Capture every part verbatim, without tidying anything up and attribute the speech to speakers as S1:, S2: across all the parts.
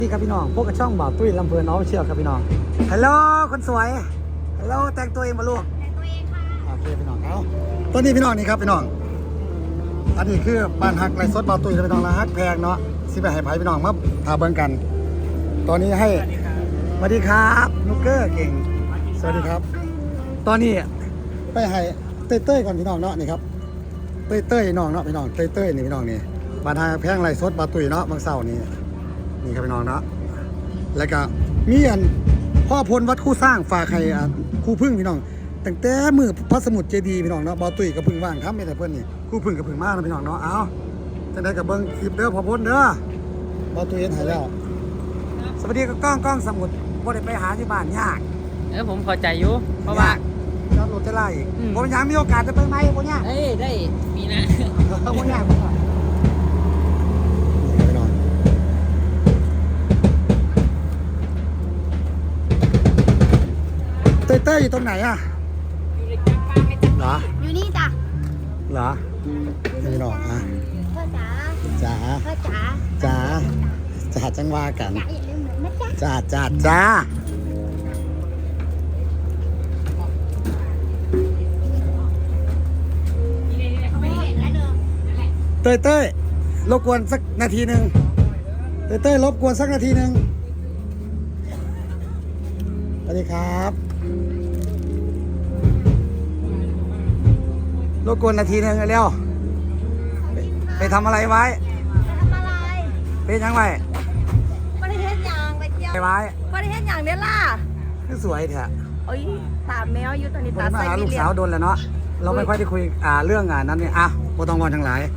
S1: นี่ครับพี่น้องพวกกับช่องบ่าวตุ้ยลำเพลินน้องเชียวครับพี่น้องฮัลโหลคนสวยฮัลโหลแต่งตัวเองมาลูก
S2: แต่งตัวเองค่ะ
S1: โอเคพี่น้องเอาตอนนี้พี่น้องนี่ครับพี่น้องอันนี้คือบ้านฮักไรสดบ่าวตุ้ยพี่น้องละฮักแพงเนาะสิไปให้ไผ่พี่น้องมาถาเบิ่งกัน ตอนนี้ให้สวัสดีครับนุกเกอร์เก่งสวัสดีครับตอนนี้ไปให้เต้ยเต้ยก่อนพี่น้องเนาะนี่ครับเต้ยเต้ยน้องเนาะพี่น้องเต้ยเต้ยนี่พี่น้องนี่บ้านฮักแพงไรสดบ่าวตุ้ยเนาะบางเสาร์นี้นี่ครับพี่น้องเนาะแล้วก็มีอันพ่อพลวัดคู่สร้างฝากใครคู่พึ่งพี่น้องตั้งแต่มือพระสมุทรเจดีย์พี่น้องเนาะบ่าวตุ้ยกับพึ่งว่างครับไม่แต่เพื่อนนี่คู่พึ่งกับพึ่งมากนะพี่น้องเนาะเอาจะได้กับเบิ้งคลิปเด้อพ่อพลเด้อบ่าวตุ้ยเห็นหายแล้วสวัสดีกับกล้องกล้องสมุทรบ่ได้ไปหาที่บ้านยาก
S3: เออผมเข้าใจอยู่เพราะว่า
S1: จอดรถจะไล่ผมยังมีโอกาสจะไปไหมผมยาก
S3: เอ้ยได้มีนะ
S1: ผมยากผมยากเต้ยเต้ยอยู่ตรงไหนอะเหรอ
S2: อยู่นี่จ้ะ
S1: เหรอพี่น้องอะ
S2: พ่อจ๋า
S1: จ๋า
S2: พ่อจ๋า
S1: จ๋าจ๋าจังว่ากัน
S2: จ๋าอย่าลืมเหมือนนะจ๊ะ
S1: จ๋าจ๋าจ๋าเต้ยเต้ยรบกวนสักนาทีหนึ่งเต้ยเต้ยรบกวนสักนาทีหนึ่งสวัสดีครับรบกวนนาทีหนึ่งเร็วไปไปทำอะไรไว้
S2: ทำอะไร
S1: ไปยังไง
S2: ประเทศยางไปเที่ยว
S1: ไปไว้
S2: ประเทศยางเนี่ยล่ะ
S1: คือสวยเถอะ
S2: โอ้ยตามแมวอยู่ตอนนี้
S1: ผม
S2: ตา
S1: มา
S2: ใส่
S1: หา
S2: ไม่
S1: ลูก
S2: เรีย
S1: สาว
S2: บ
S1: โดนแล้วเนาะเราไม่ค่อยได้คุยอ่าเรื่องงานนั้นเนี่ยอ่ะโบตองวอนทั้งหลาย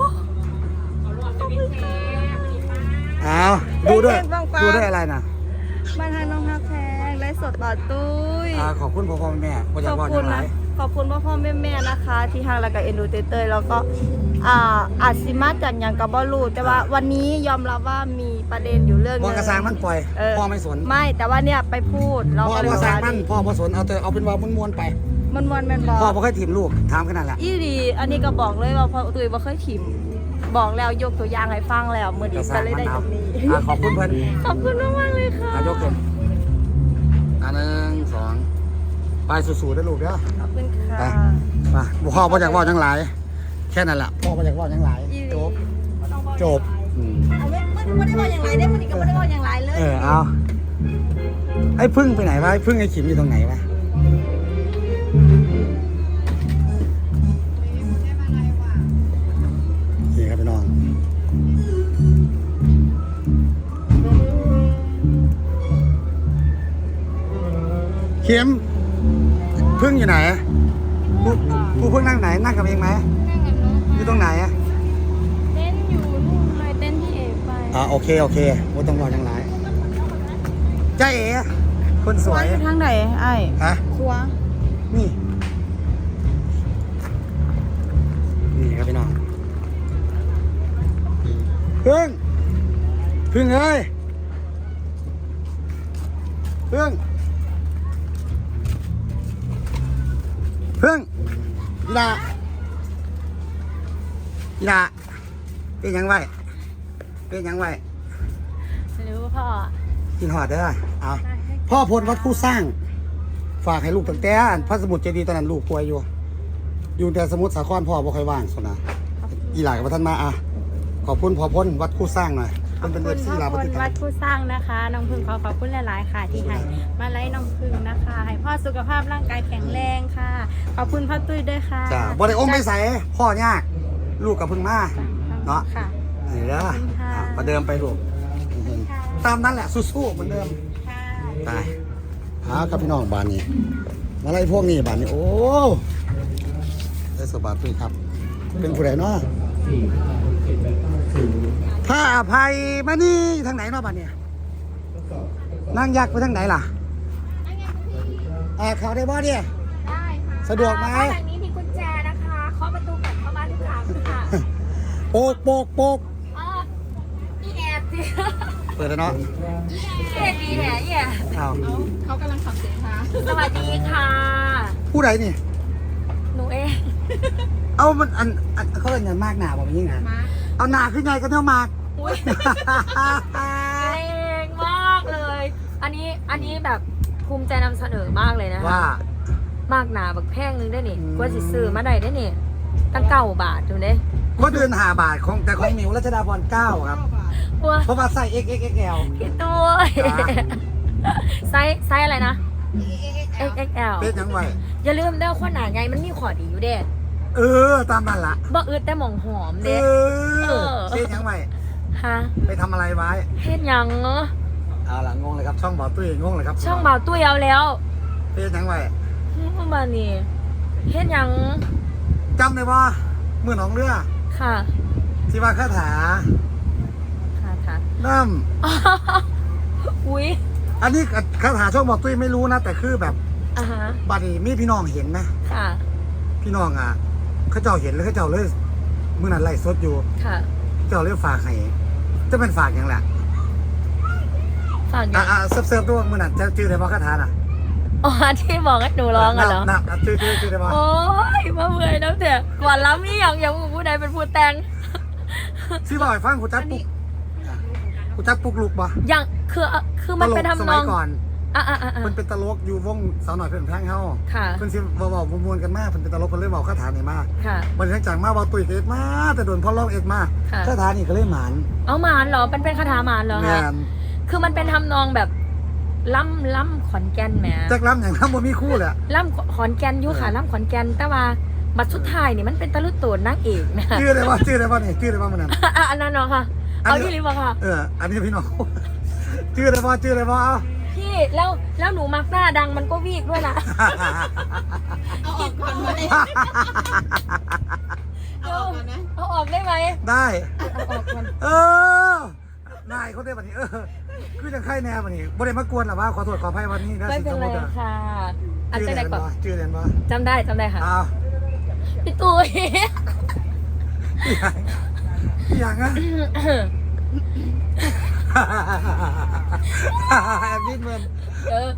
S1: เอาดูด้วยดูด้วยอะไรนะ
S2: มาทางน้องฮักแพงไลฟ์สดต่อตุ้ย
S1: อ่าขอบคุณพ่อพ่อแม่พ่อ
S2: ข
S1: จะ
S2: อบ
S1: วอน
S2: คุ
S1: ทั้
S2: ณ
S1: งหลา
S2: นะ
S1: ย
S2: ขอบคุณพ่อพ่อแม่แม่นะคะ ที่ทางรายการเอ็นดูเตเตยแล้วก็อ่าอาจสิมาจากอย่างกับบอลูแต่ว่าวันนี้ยอมรับว่ามีประเด็นอยู่เรื่องนึ
S1: พ่อง กระซังมันปล่อย
S2: เออ
S1: พ่อไม่สน
S2: ไม่แต่ว่าเนี่ยไปพูดเรา
S1: พ่อ
S2: ก็เลย
S1: กระ
S2: ว่า
S1: ซังมันพ่อไม่สนเอาแต่เอาเป็นว่าม้วนๆไป
S2: มันมันมันบอก
S1: พ่อไม่เคยถีบลูกถามขนาดแหละ
S2: อีดีอันนี้ก็บอกเลยว่าพ่อตุ้ยบ่เคยถิ่มบอกแล้วยกตัวอย่างให้ฟังแล้วมือดีก็เลยได้ตรงนี้
S1: อ่าขอบคุณเพื่อน
S2: ขอบคุณมากมากๆเลยค่ะ
S1: อ่ายกขึ้นอันหนึ่งสองไปสู้ๆได้ลูกเด้อ
S2: ขอบคุณค่ะ
S1: ไป มาพ่อพ่อจากว่าทั้งหลายแค่นั้นแหละพ่อมาจากว่าทั้งหลาย
S2: อีดี
S1: จบ
S2: บ่ต้องบอก
S1: จบอืม
S2: เอาไม่ไม่ได้บอกอย่างไรได้มันก็ไม่ได้บอกอย่างไรเลย
S1: เออเอาไอ้พึ่งไปไหนวะไอ้พึ่งไอ้ขิมอยู่ตรงไหนวะนี่ครับพี่น้องเข็มพึ่งอยู่ไหนผู้ผู้พึ่งนั่งไหนนั่งกับเองไหม
S2: นั่งกับน้อง
S1: อยู่ตรงไหนอะ
S2: เต้นอยู่นู่นเลยเต้นที่เอไป
S1: อ่าโอเคโอเคไม่ต้องรอทั้งหลายจ้าเอ๋คนสวย
S2: ทางไหนไอ้
S1: ฮะ
S2: ครัว
S1: นี่ นี่ครับพี่น้องพึ่งพึ่งเอ้ยพึ่งพึ่งอีดาอีดาเป็นยังไงเป็นยังไง
S2: หรือว่าพ่อ
S1: กินหอดเด้อเอาพ่อพลวัดคู่สร้าง ฝากให้ลูกตั้งแต่พระสมุทรเจดีย์ตอนนั้นลูกป่วยอยู่ อยู่แต่สมุทรสาครพ่อบ่ค่อยว่างสนะอีหลายกับท่านมาอ่ะขอบคุณพ่อพลวัดคู่สร้างหน่อย
S2: ขอบ
S1: เป็น
S2: คุ
S1: เป็น
S2: ณ
S1: เอฟซี
S2: พ่อ
S1: ลาว
S2: ค
S1: ป
S2: น
S1: ฏิทิ
S2: วัด
S1: น
S2: ผู้สร้างนะคะน้องพึ่งขอขอบคุณหลายๆค่ะที่ให้มาไล่น้องพึ่งนะคะ ให้พ่อสุขภาพร่างกายแข็งแรงค่ะ ขอบคุณพ่อตุ้ยด้วยค่ะ
S1: จ้าบ่ได้อมไม่ใส่พ่อยาก ลูกกับพึ่งมาเนาะ
S2: ค่ะ
S1: นี่เด้อ
S2: ขอบคุณค่ะ
S1: อ่ะประเดิมไปลูกตามนั้นแหละสู้ๆเหมือนเดิม
S2: ค่ะ
S1: ตายหาครับพี่น้องบ้านนี้มาไล่พวกนี้บ้านนี้โอ้ได้สบายพี่ครับ เป็นผู้ใดเนาะถ้าอภัยมานี่ทางไหนเนาะบ้านเนี่ยนั่งยักษ์ไปทางไหนล่ะอ่าเขาได้บ่เนี่ย
S2: ได้ค่ะ
S1: สะดวกไหม
S2: บ้านหลังนี้มีกุญแจนะคะเคาะประตูก่อนเข้าบ้านทุกครั้งค่ะ
S1: โปกโปกโปก
S2: อ๋อพี่แอบสิ
S1: เปิดแล้วเนาะ
S2: พี่แอบดีแหละเนี่ย
S1: อ้าว
S2: เขากำลังขับเสียงค่ะสวัสดีค่ะ
S1: ผู้ใดนี่
S2: หนูเอง
S1: เอามันอันอันเขาเรียกเงินมากหนาบอกมันยิ่งไง
S2: มา
S1: เอาหนาขึ้นไงก็เท่ามาก
S2: อุ้ยเล่น
S4: อันนี้แบบภูมิใจนำเสนอมากเลยนะคะ
S1: ว่า
S4: มากหนาบักแพงนึงได้นี่
S1: อืม
S4: กว่าสิซื้อมาได้ได้นี่ตั้งเก้าบาทถูกไหม
S1: ก็เดินหาบาทของแต่ของหมิวรัชดาพรเก้าครับ
S4: ว้า
S1: เพราะว่าใส่ เอ็กซ์ เอ็กซ์ เอ็กซ์ แอล
S4: พี่ตัว
S1: ครับ
S4: ไซส์ไซส์อะไรนะ เอ็กซ์ เอ็กซ์ แอล
S1: เป็นยังไง
S4: อย่าลืมเด้อคนหนาไงมันมีขอดีอยู่เด้
S1: เออตามนั่นละ
S4: บ่อึดแต่หมองหอม
S1: เอ
S4: เด้
S1: อ
S4: เออ
S1: เป็นยังไง
S4: ฮะ
S1: ไปทำอะไรไว้
S4: เฮ็ดหยังเนาะ
S1: เอาล่ะงงเลยครับช่องบ่อตุ้ยงงเลยครับ
S4: ช่องบ่าวตุ้ยเอาแล้ว
S1: เป็นยังไง
S4: ประมาณนี้เฮ็ดหยัง
S1: จำได้ว่ามือหนองเรือ
S4: ค่ะ
S1: ที่ว่าคาถา
S4: ค่ะค่ะ
S1: น้
S4: อุ้ย
S1: ำอันนี้คาถาช่องบ่อตุ้ยไม่รู้นะ แต่คือแบบ
S4: อ่าฮะ
S1: บัดนี้มีพี่น้องเห็นนะ
S4: ค่ะ
S1: พี่น้องอ่ะเขาเจ้าเห็นแล้วเขาเจ้าเลยมือนั้นไล่สดอยู่
S4: ค่ะ
S1: เจ้าเลยฝากให้จะเป็นฝากอย่างแหละ
S4: ฝากหยั
S1: อ่ะ
S4: ง
S1: อ่ะเซิร์ฟเซิร์ฟด้วยมือนั้นจะจื้อได้บ่คาถาน่ะ
S4: อ๋อที่บอกให้หนูร้องอะเหรอ
S1: นับนับจื้อจื้อจื้อได้บ่
S4: โอ้ยมาเมื่อยน้ำเสียก่อนล้ำนี่อย่างอย่างผู้ใดเป็นผู้แต่ง
S1: ที่บอกให้ฟังกูจักปุกกูจักปุกลูกบ่
S4: อย่างคือคือมันเป็น
S1: ตลกส
S4: ทำน
S1: มั
S4: อย ง
S1: ก่อน
S4: อ่ะอ่ะอ่ะอ่ะ
S1: มันเป็นตลกอยู่วงสาวหน่อยเพื่อนแพงเฮา
S4: ค่ะ
S1: เพิ่นสิเว้าๆมวนๆกันมากเพิ่นเป็นตลกเพิ่นเลยเว้าคาถานี่มา
S4: ค่ะ
S1: บัดนี้จากมาเว้าตุ้ยก็เอ็ดมาแต่โดนพ่อร้องเอ็ดมา
S4: ค่ะ
S1: คาถานี่ก็เลยหมาน
S4: เอาหมานเหรอมันเป็นคาถาหมานเหรอ
S1: แม่
S4: คะ
S1: น
S4: คือมันเป็นทำนองแบบล่ำล่ำขอนแก่นแหม
S1: จักล้ำอย่างนั้นบ่มีคู่แหละ
S4: ล่ำขอนแก่นอยู่ค่ะล่ำขอนแก่นแต่ว่าบัดสุดท้ายนี่มันเป็นตะลุโตนนางเอกนะ
S1: ชื่อได้บ่ชื่อได้บ่นี่ชื่อได้บ่มันนั้น
S4: อ่ะอันนั้นเนาะค่ะ
S1: อัน
S4: เอา
S1: นี้
S4: ที่ริบค่ะ
S1: เออ อันนี้พี่น้อง ชื่อได้บ่ชื่อได้บ่เอา
S4: พี่แล้วแล้วหนูมักหน้าดังมันก็วีกด้วยนะ
S2: เอาออกก่อนไหมเอาออกก่อนไหม
S4: เอาออกได้ไหม
S1: ได้
S4: เอาออกก่อน
S1: เออนายเขาได้บัดนี้ เออ คือจังไข่แน่บัดนี้บ่ได้มากวนหรอว่าขอโทษขออภัยวันนี้นะ
S4: ไม่เป็นไร
S1: สิสมมุติ
S4: ค่ะ อัน
S1: ชื่อ
S4: จะ
S1: เรี
S4: ไหน
S1: ยน
S4: ก่อ
S1: บ่
S4: น
S1: ชื่อเรียนบ่
S4: จำได้จำได้ค่ะ
S1: อ้าว
S4: พี่ตุ้ย
S1: อีหยังอ่ะแอบดิ้นมัน
S4: เออ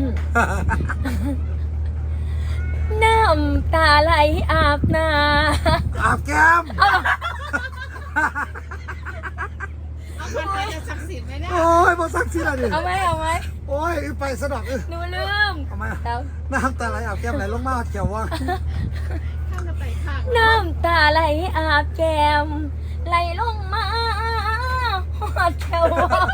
S4: น้ำตาไหลอาบหน้า
S1: อาบแก้ม
S2: เอามันไปจะศักดิ์สิทธิ์ไหมเนี่ย
S1: โอ้ยบ่ซักซี่ละดิ
S4: เอาไหมเอาไหม
S1: โอ้ยไปสะดอกเออ
S4: หนูลืม
S1: ทำไมอะ
S4: แล้ว
S1: น้ำตาไหลอาบแก้มไหลลงมาเขียวว่า
S2: ข้ามจะไปข้าง
S4: น้ำตาไหลอาบแก้มไหลลงมาหอดแก้ว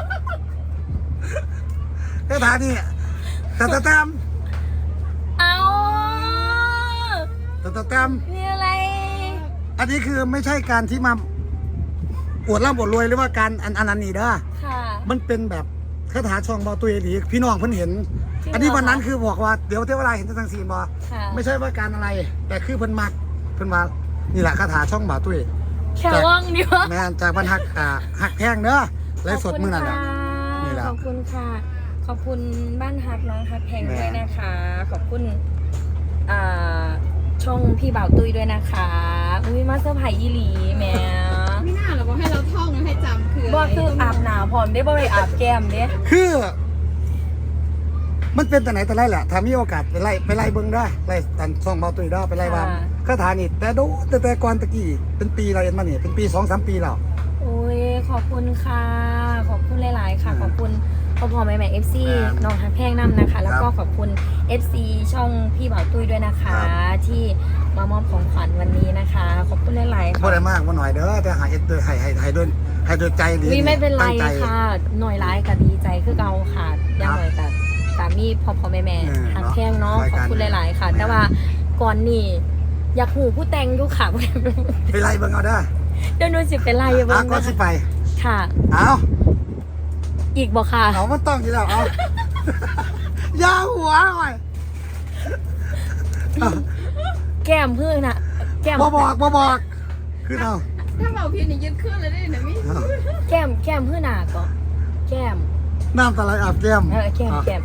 S1: คาถานี่ตะตะแตม
S4: เอา
S1: ตะตะแตม
S4: นี่อะไร
S1: อันนี้คือไม่ใช่การที่มาอวดร่ำอวดรวยหรือว่าการอันอันนั้นนี่เด้อ
S4: ค่ะ
S1: มันเป็นแบบคาถาช่องบอตุยดีพี่น้องเพิ่นเห็น
S4: จริงเหรอ
S1: อันนี้วันนั้นคือบอกว่าเดี๋ยวเทวดาเห็นทั้งซีนบอ
S4: ค่ะ
S1: ไม่ใช่ว่าการอะไร แต่คือเพิ่นมักเพิ่นว่านี่แหละคาถาช่องบอตุย
S4: แค่ว่างดีวะ
S1: แม่นจากบรรทักอ่าหักแพงเด้อไลฟ์สดมื้อนั้น
S4: ข
S1: น่ะ
S4: อบคุณ
S1: นี่แหละ
S4: ค่ะขอบคุณค่ะ ขอบคุณบ้านฮักน้องฮักแพง
S1: แม่
S4: ด้วยนะคะ ขอบคุณอ่าช่องพี่บ่าวตุ้ยด้วยนะคะอุ้ยมาเซอร์ไพรส์อีหลีแหม่
S2: ไม่น่าหรอกบอกให้เราท่องนะให้จำคืออะไร
S4: บ่คืออาบหนาวพร้อมได้บ่ไปอาบแก้มเด้
S1: คือ มันเป็นแต่ไหนแต่ไรแหละถ้ามีโอกาสไปไล่ไปไล่เบิ่งได้ไล่ตันช่องบอตุยได้ไปไล่ว่าคาถานี่แต่โดแต่แต่ก่อนตะกี้เป็นปีเราเอ็นมานี่เป็นปี สองสาม ปีแล้ว
S4: โอ้ยขอบคุณค่ะ ขอบคุณหลาย ๆ ค่ะ ขอบคุณพ่อพ่อแม่แม่เอฟซี
S1: ครับ
S4: น้องฮักแพงน้ำนะคะ แล้วก็
S1: ครับ
S4: ขอบคุณ เอฟ ซี ช่องพี่บ่าวตุ้ยด้วยนะคะ
S1: ครับ
S4: ที่มามอบของขวัญวันนี้นะคะ ขอบคุณหลาย ๆ
S1: บ่
S4: ค่ะ
S1: ได้มากบ่หน่อยเด้อแต่หาเอ็ดโดยให้ให้ให้ด้วยให้ด้วยใจหรือ
S4: วิไม่เป็นไร
S1: ตั้งใจ
S4: ค่ะ หน่อยร้ายกับดีใจคือเกาค่ะอยังหน่อยกับสามีพ่อพ่อแม่แม่
S1: เออ
S4: ฮักแพงเนาะ
S1: ราย
S4: ขอบ
S1: การ
S4: คุณหลาย ๆ ค่ะ
S1: ไม่
S4: แต่ว่าก่อนนี่อยากหูผู้แต่งอยู่ค่ะ
S1: ไปไล่เบิ่งเอาเด้อ
S4: เดี๋ยวหนูสิเป็นไรเบิ้
S1: อ่ะ
S4: ง
S1: ก็
S4: นะ
S1: สิ
S4: คะ
S1: ไป
S4: ค่ะ
S1: เอา
S4: อีกบอกค่ะ
S1: เอามันต้องอยู่แล้วเอา อยาหัวหน่อยเอา
S4: แก้มเพื่อนน่ะ แก้ม
S1: บ่บอกบ่บอกคือเอา
S2: ถ้าเราพี่นี่ยึดเครื่องเลยได้นะมิ
S1: เอา
S4: แก้มแก้มเพื่อนหนาก็แก้ม
S1: น้ำตาไหลอาบแก้ม
S4: เออแก้ม
S1: อ่ะ
S4: แก้ม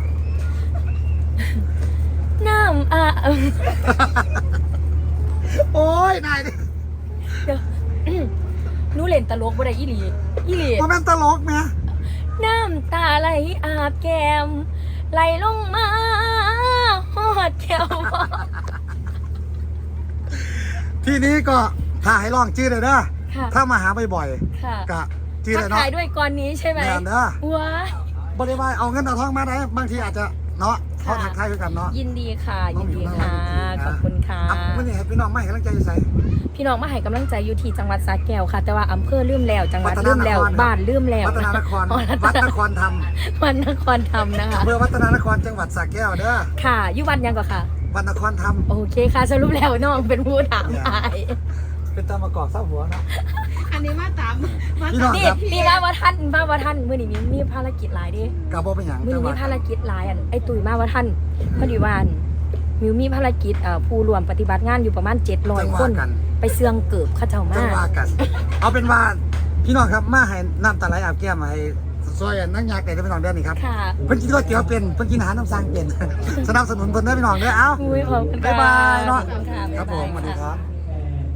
S4: น้ำอ่ะเออ
S1: โอ้ยนายดิ
S4: เดี๋ยวหนูเล่นตลกบ่ได้อีหลีอีหลี
S1: มันเป็นตลกไหม
S4: น้ำตาไหลอาบแก้มไหลลงมาหอดแก้วบ่
S1: ทีนี้ก็ถ้าให้ลองชื่อเลยเด้อ
S4: ค่ะ
S1: ถ้ามาหาบ่อย
S4: ค่ะ
S1: ๆกะชื่อ
S4: ทั
S1: เล
S4: ก
S1: ยเนาะ
S4: ทายด้วยก่อนนี้ใช่ไหม
S1: แม่นเด้อ
S4: ว้าย
S1: บริวารเอาเงินเอาทองมาได้บางทีอาจจะเนาะเขาทักทายกันเนาะ
S4: ยินดีค่ะยินดีค่ะขอบคุณค่ะ
S1: อ่ะวันนี้ให้พี่น้องมาให้กำลังใจอยู่ไส
S4: พี่น้องมาให้กำลังใจอยู่ที่จังหวัดสระแก้วค่ะ แต่ว่าอำเภอลืมแล้วจังหวัด
S1: วัฒน
S4: ลืมแล้ว
S1: นครครับ
S4: บ้านลืมแล้ว
S1: วัฒนานคร
S4: อ๋อ
S1: วัดนครธรรม
S4: วัดนครธรรมนะคะ
S1: อำเภอวัฒนานครจังหวัดสระแก้วเด้อ
S4: ค่ะอยู่วัดยังก่อนค่ะ
S1: วัดนครธรรม
S4: โอเคค่ะสรุปแล้วน้องเป็นผู้ถามไป
S1: เป็นตามประกอบเศร้าหัวเนาะ
S2: อันนี้มาตามมา
S1: พี่น้อง
S4: นี่
S1: ครับ
S4: นี่มาว่าท่านมาว่าท่านมื้อนี้มีมีภารกิจหลายเดิ
S1: กับบ่เป็นหยัง
S4: มื้อ
S1: แต่
S4: นี้มี
S1: ว่า
S4: ภารกิจหลายอันไอ้ตุ้ยมาว่าท่านพอดีว่าอันมิวมีภารกิจเอ่อผู้รวมปฏิบัติงานอยู่ประมาณเจ็ดร้อย
S1: จังห
S4: ค
S1: วะ
S4: น
S1: กัน
S4: ไปเสืองเกิบเข้าเจ้า
S1: จั
S4: มาง
S1: หวะกัน เอาเป็นว่าพี่น้องครับมาให้น้ำตาไหลอาบแก้มให้ซอยนั่งยากไก่ได้พี่น้องเด้อนี่ครับ
S4: ค่ะ
S1: เพิ่นกินก๋วยเตี๋ยวเป็นเพิ่นกินอาหารน้ำสร้างเป็น สนับสนุนเพิ่นเด้อพี่น้องเด้อเอ้า
S4: อุ้ยขอบคุณค่ะ
S1: บ๊ายบายเนาะ
S4: ขอบคุณค่ะ
S1: ครับผมสวัสดีครับ
S4: บ๊ายบาย